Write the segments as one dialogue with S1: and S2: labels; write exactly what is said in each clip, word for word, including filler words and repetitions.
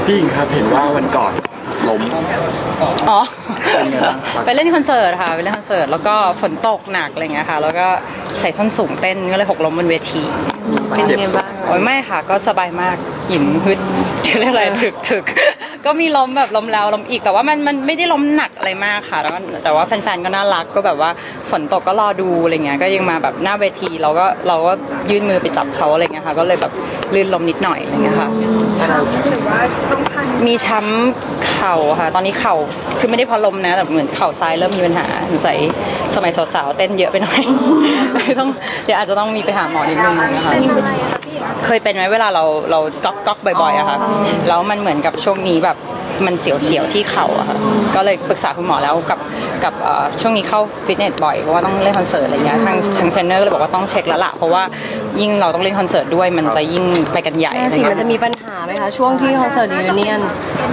S1: พี่หญิงครับเห็นว่าวันก่อนล้ม
S2: อ๋อ
S1: เป็นไงบ้าง
S2: ไปเล่นคอนเสิร์ตค่ะไปเล่นคอนเสิร์ตแล้วก็ฝนตกหนักอะไรเงี้ยค่ะแล้วก็ใส่ส้นสูงเต้นก็เลยหกล้มบนเวที
S1: เป็นไงบ้าง
S2: โอ้ยไม่ค่ะก็สบายมากหยิมฮึดเรียกอะไรถึกถึกก็มีล้มแบบล้มแล้วล้มอีกแต่ว่ามันมันไม่ได้ล้มหนักอะไรมากค่ะแล้วก็แต่ว่าแฟนๆก็น่ารักก็แบบว่าฝนตกก็รอดูอะไรเงี้ยก็ยังมาแบบหน้าเวทีเราก็เราก็ยื่นมือไปจับเขาอะไรเงี้ยค่ะก็เลยแบบลื่นล้มนิดหน่อยอะไรเงี้ยค่ะมีช้ำเข่าค่ะตอนนี้เข่าคือไม่ได้พอล้มนะแต่เหมือนเข่าซ้ายเริ่มมีปัญหาสงสัยสมัยสาวๆเต้นเยอะไปหน่อยต้องเดี๋ยวอาจจะต้องมีไปหาหมอนิดนึงนะคะเคยเป็นไหมเวลาเราเราก๊อกก๊อกบ่อยๆอะค่ะแล้วมันเหมือนกับช่วงนี้แบบมันเสียวๆที่เข่าอะค่ะก็เลยปรึกษาคุณหมอแล้วกับกับช่วงนี้เข้าฟิตเนสบ่อยเพราะว่าต้องเล่นคอนเสิร์ตอะไรเงี้ยทางทางเทรนเนอร์เลยบอกว่าต้องเช็คแล้วล่ะเพราะว่ายิ่งเราต้องเล่นคอนเสิร์ตด้วยมันจะยิ่งไปกันใหญ่
S3: สิมันจะมีปัญหาไหมคะช่วงที่คอนเสิร์ตยูเนียน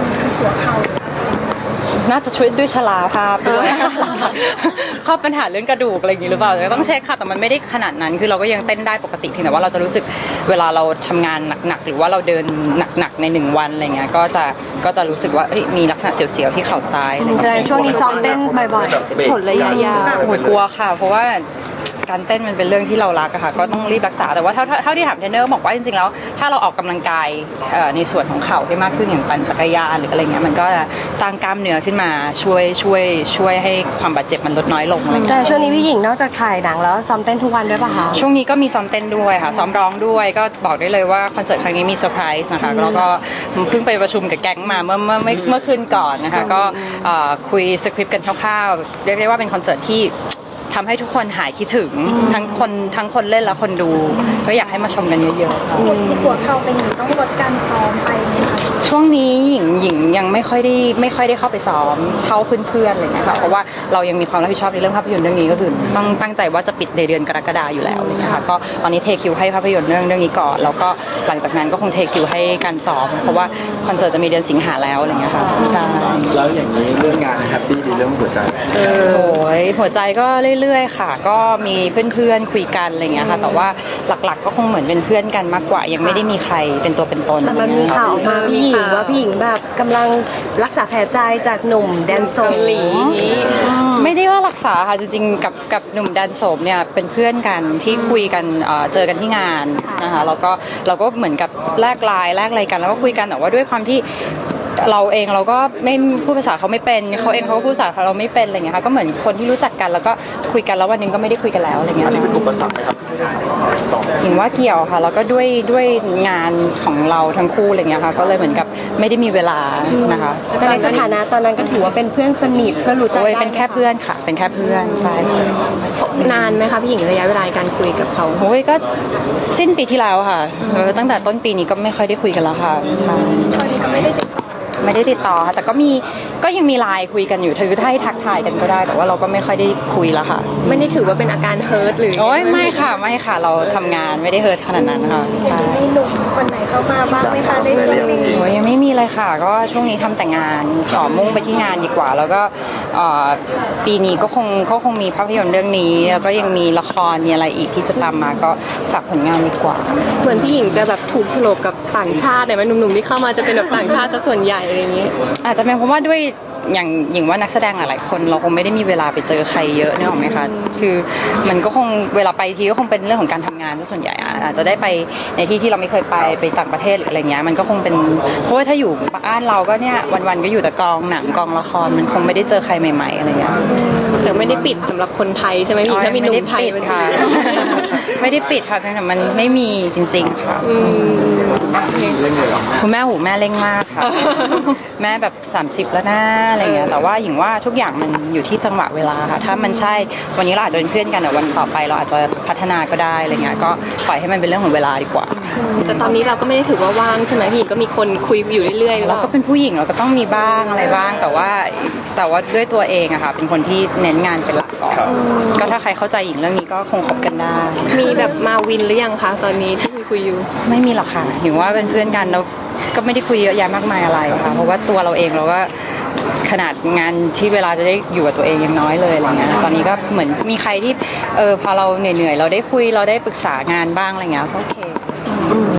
S2: น่าจะช่วยด้วยชราภาพด้วยข้อปัญหาเรื่องกระดูกอะไรอย่างนี้หรือเปล่าก็ต้องเช็คค่ะแต่มันไม่ได้ขนาดนั้นคือเราก็ยังเต้นได้ปกติเพียงแต่ว่าเราจะรู้สึกเวลาเราทำงานหนักๆหรือว่าเราเดินหนักๆในหนึ่งวันอะไรเงี้ยก็จะก็จะรู้สึกว่ามีลักษณะเสียวๆที่เข่าซ้าย
S3: แสดงช่วงนี้ซ้อมเต้นบ่อยๆผลระยะยาว
S2: โหยกลัวค่ะเพราะว่าการเต้นมันเป็นเรื่องที่เรารักอะค่ะก็ต้องรีบรักษาแต่ว่าเท่าเท่าที่ถามเทรนเนอร์บอกว่าจริงๆแล้วถ้าเราออกกำลังกายในส่วนของเข่าให้มากขึ้นอย่างปั่นจักรยานหรืออะไรเงี้ยมันก็จะสร้างกล้ามเนื้อขึ้นมาช่วยช่วยช่วยให้ความบาดเจ็บมันลดน้อยลงอะไรเงี้ย
S3: แต่ช่วงนี้พี่หญิงนอกจากถ่ายหนังแล้วซ้อมเต้นทุกวันด้วยป่ะคะ
S2: ช่วงนี้ก็มีซ้อมเต้นด้วยค่ะซ้อมร้องด้วยก็บอกได้เลยว่าคอนเสิร์ตครั้งนี้มีเซอร์ไพรส์นะคะแล้วก็เพิ่งไปประชุมกับแก๊งมาเมื่อเมื่อเมื่อคืนก่อนนะคะก็คุยสคริปต์กันคร่าวๆเรียกได้ว่าเป็นคอนเสิร์ตที่ทำให้ทุกคนหายคิดถึงทั้งคนทั้งคนเล่นและคนดูก็อยากให้มาชมกันเยอะๆค่ะ
S4: ที่หัวเข่าเป็นอย่างต้องลดการซ้อมไปไหมคะ
S2: ช่วงนี้หญิงหญิงยังไม่ค่อยได้ไม่ค่อยได้เข้าไปซ้อมเท่าเพื่อนๆอะไรเงี้ยค่ะเพราะว่าเรายังมีความรับผิดชอบในเรื่องภาพยนตร์เรื่องนี้ก็คือต้องตั้งใจว่าจะปิดในเดือนกรกฎาอยู่แล้วนะคะก็ตอนนี้เทคิวให้ภาพยนตร์เรื่องเรื่องนี้ก่อนแล้วก็หลังจากนั้นก็คงเทคิวให้การซ้อมเพราะว่าคอนเสิร์ตจะมีเดือนสิงหาแล้วอะไรเงี้ยค่ะใช่
S1: แล้วอย่างนี้เรื่องงานแฮปปี้ดีเรื่องหัวใจ
S2: โอ้ยหัวใจก็เรื่อยๆค่ะก็มีเพื่อนๆคุยกันอะไรเงี้ยค่ะแต่ว่าหลักๆก็คงเหมือนเป็นเพื่อนกันมากกว่ายังไม่ได้มีใครเป็นตัวเป็นตน
S3: แต่มันมีข่าวมาพี่หญิงว่าพี่หญิงแบบกำลังรักษาแผลใจจากหนุ่มแดนโซมหลี
S2: ไม่ได้ว่ารักษาค่ะจริงๆกับกับหนุ่มแดนโสมเนี่ยเป็นเพื่อนกันที่คุยกันเจอกันที่งานนะคะแล้วก็เราก็เหมือนกับแลกไลน์แลกอะไรกันแล้วก็คุยกันแต่ว่าด้วยความที่เราเองเราก็ไม่พูดภาษาเขาไม่เป็นเขาเองเขาก็พูดภาษาเราไม่เป็นอะไรเงี้ยค่ะก็เหมือนคนที่รู้จักกันแล้วก็คุยกันแล้ววันนึงก็ไม่ได้คุยกันแล้วอะไรเงี้ย
S1: อันนี้เป็นอุปสรรคไหมครับ
S2: เห็นว่าเกี่ยวค่ะแล้วก็ด้วยด้วยงานของเราทั้งคู่อะไรเงี้ยค่ะก็เลยเหมือนกับไม่ได้มีเวลานะคะ
S3: แต่ในสถานะตอนนั้นก็ถือว่าเป็นเพื่อนสนิทเพื่อนรู้จักได้
S2: เป็นแค่เพื่อนค่ะเป็นแค่เพื่อนใช่
S3: นานไหมคะพี่หญิงระยะเวลาการคุยกับเขา
S2: โอ้ยก็สิ้นปีที่แล้วค่ะตั้งแต่ต้นปีนี้ก็ไม่ค่อยได้คุยกันแล้วค่ะไม่ได้ติดต่อค่ะแต่ก็มีก็ยังมีไลน์คุยกันอยู่ถือถ้าให้ทักทายกันก็ได้แต่ว่าเราก็ไม่ค่อยได้คุยแล้วค่ะ
S3: ไม่ได้ถือว่าเป็นอาการเฮิร์ตหรือ
S2: โอ้ยไม่ค่ะไม่ค่ะเราทำงานไม่ได้เฮิร์ตขนาดนั้นค่ะ
S4: มีหนุ่มคนไหนเข้ามาบ้างไหมคะในช่วงนี้
S2: โอ้ยยังไม่มีเลยค่ะก็ช่วงนี้ทำแต่งานขอมุ่งไปที่งานดีกว่าแล้วก็ปีนี้ก็คงก็คงมีภาพยนตร์เรื่องนี้แล้วก็ยังมีละครมีอะไรอีกที่จะตามมาก็ฝากผลงานดีกว่า
S3: เหมือนพี่หญิงจะแบบถูกโฉลกกับต่างชาติแต่ว่าหนุ่มๆที่เข้ามาจะเป็นแบบต่างชาติซะส่วนใหญ่อะไรอย่างนี้
S2: อาจจะเป็นเพราะว่าด้วยอย่างอย่างว่านักแสดงหลายๆคนเราคงไม่ได้มีเวลาไปเจอใครเยอะเนี่ยหรอไหมคะคือมันก็คงเวลาไปทีก็คงเป็นเรื่องของการทำงานซะส่วนใหญ่อาจจะได้ไปในที่ที่เราไม่เคยไปไปต่างประเทศหรืออะไรเงี้ยมันก็คงเป็นเพราะว่าถ้าอยู่บ้านเราก็เนี่ยวันๆก็อยู่แต่กองหนังกองละครมันคงไม่ได้เจอใครใหม่ๆอะไรเงี้ย
S3: แต่ไม่ได้ปิดสำหรับคนไทยใช่ไหมพี่ถ้ามีหนุ่มไทย
S2: ค่ะไม่ได้ปิดค่ะแต่มันไม่มีจริงๆค่ะคุณแม่หูแม่เร่งมากค่ะแม่แบบสามสิบแล้วนะอะไรเงี้ยแต่ว่าอย่างว่าทุกอย่างมันอยู่ที่จังหวะเวลาค่ะถ้ามันใช่วันนี้เราอาจจะเป็นเพื่อนกันแต่วันต่อไปเราอาจจะพัฒนาก็ได้อะไรเงี้ยก็ปล่อยให้มันเป็นเรื่องของเวลาดีกว่า
S3: แต่ตอนนี้เราก็ไม่ได้ถือว่าว่างใช่ไหมพี่ก็มีคนคุยอยู่เรื่อยๆ
S2: เราก็เป็นผู้หญิงเราก็ต้องมีบ้างอะไรบ้างแต่ว่าแต่ว่าด้วยตัวเองอะค่ะเป็นคนที่เน้นงานเป็นหลักก่อนก็ถ้าใครเข้าใจหญิงเรื่องนี้ก็คงคบกันได้
S3: มีแบบมาวินหรือยังคะตอนนี้ที่คุยคุยอยู่
S2: ไม่มีหรอกค่ะหญิงว่าเป็นเพื่อนกันแล้วก็ไม่ได้คุยเยอะแยะมากมายอะไรค่ะเพราะว่าตัวเราเองเราก็ขนาดงานที่เวลาจะได้อยู่กับตัวเองยังน้อยเลยอะไรเงี้ยตอนนี้ก็เหมือนมีใครที่เออพอเราเหนื่อยๆเราได้คุยเราได้ปรึกษางานบ้างอะไรเงี้ยก็โอเค